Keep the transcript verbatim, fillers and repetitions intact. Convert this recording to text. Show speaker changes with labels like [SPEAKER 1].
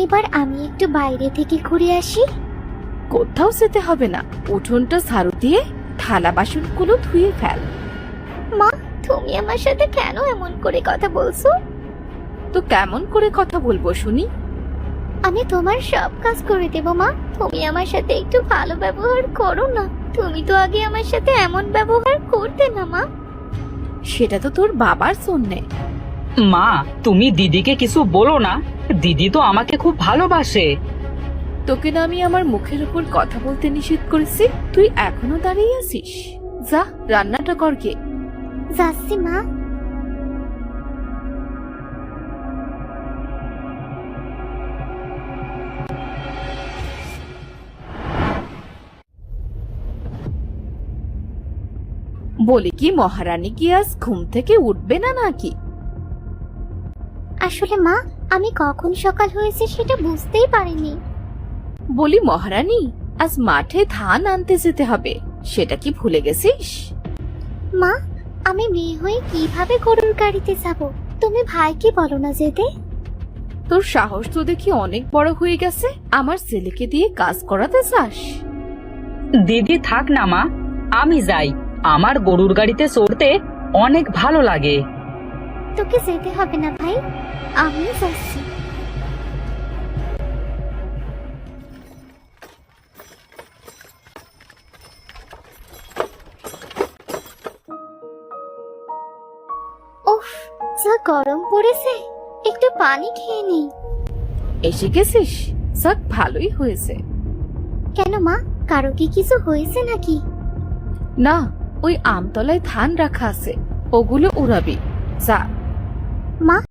[SPEAKER 1] এবার আমি একটু বাইরে থেকে ঘুরে আসি।
[SPEAKER 2] কোথাও যেতে হবে না, উঠোনটা ঝাড়ু দিয়ে থালা বাসনগুলো ধুয়ে ফেল।
[SPEAKER 1] মা, তুমি আমার সাথে কেন এমন করে কথা বলছো?
[SPEAKER 2] তো কেমন করে কথা বলবো শুনি?
[SPEAKER 1] আমি তোমার সব কাজ করে দেব মা, তুমি আমার সাথে একটু ভালো ব্যবহার করো না। তুমি তো আগে আমার সাথে এমন ব্যবহার করতে না মা।
[SPEAKER 2] সেটা তো তোর বাবার জন্যে।
[SPEAKER 3] মা, তুমি দিদিকে কিছু বলো না, দিদি তো আমাকে খুব ভালোবাসে।
[SPEAKER 2] তোকে না আমি আমার মুখের উপর কথা বলতে নিষেধ করেছি, তুই এখনো দাঁড়িয়ে আছিস? যা রান্নাটা কর গে।
[SPEAKER 1] যাচ্ছি মা।
[SPEAKER 2] বলি কি, মহারানী কি আজ ঘুম থেকে উঠবে না নাকি?
[SPEAKER 1] আসলে মা, আমি কখন সকাল হয়েছে সেটা বুঝতেই পারিনি।
[SPEAKER 2] বলি মহারানী, আজ মাঠে ধান আনতে যেতে হবে, সেটা কি ভুলে গেছিস?
[SPEAKER 1] মা, আমি মেয়ে হয়ে কিভাবে গরুর গাড়িতে যাব? তুমি ভাইকে বলো না যেতে।
[SPEAKER 2] তোর সাহস তো দেখি অনেক বড় হয়ে গেছে, আমার ছেলেকে দিয়ে কাজ করাতে চাস?
[SPEAKER 3] দিদি থাক না মা, আমি যাই, আমার গরুর গাড়িতে চড়তে অনেক ভালো লাগে।
[SPEAKER 1] তোকে যেতে হবে না ভাই, আমি যাচ্ছি। উফ, যা গরম পড়েছে, একটু পানি খেয়ে নিই।
[SPEAKER 2] এসে গেছিস, যাক ভালোই হয়েছে।
[SPEAKER 1] কেন মা, কারো কি কিছু হয়েছে নাকি?
[SPEAKER 2] না, ওই আমতলায় ধান রাখা আছে, ওগুলো উড়াবি, যা।
[SPEAKER 1] মা,